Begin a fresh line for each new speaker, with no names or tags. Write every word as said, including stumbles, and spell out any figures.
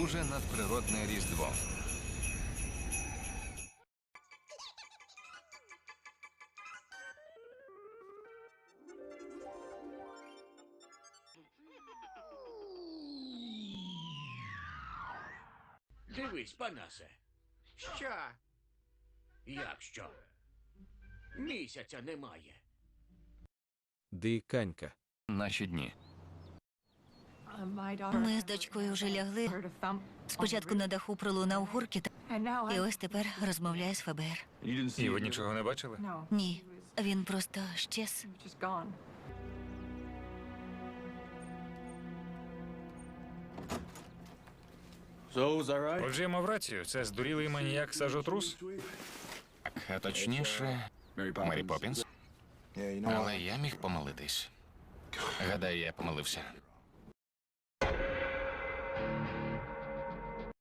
дуже надприродне Різдво.
Дивись, Панасе.
Що?
Як що? Місяця немає.
Диканька.
Наші дні.
Ми з дочкою вже лягли. Спочатку на даху пролунав гуркіт, і ось тепер розмовляє з ФБР.
І ви нічого не бачили?
Ні, він просто щез.
Отже, я мав рацію. Це здурілий маніяк сажотрус?
А точніше, Мері Поппінс. Але я міг помилитись. Гадаю, я помилився.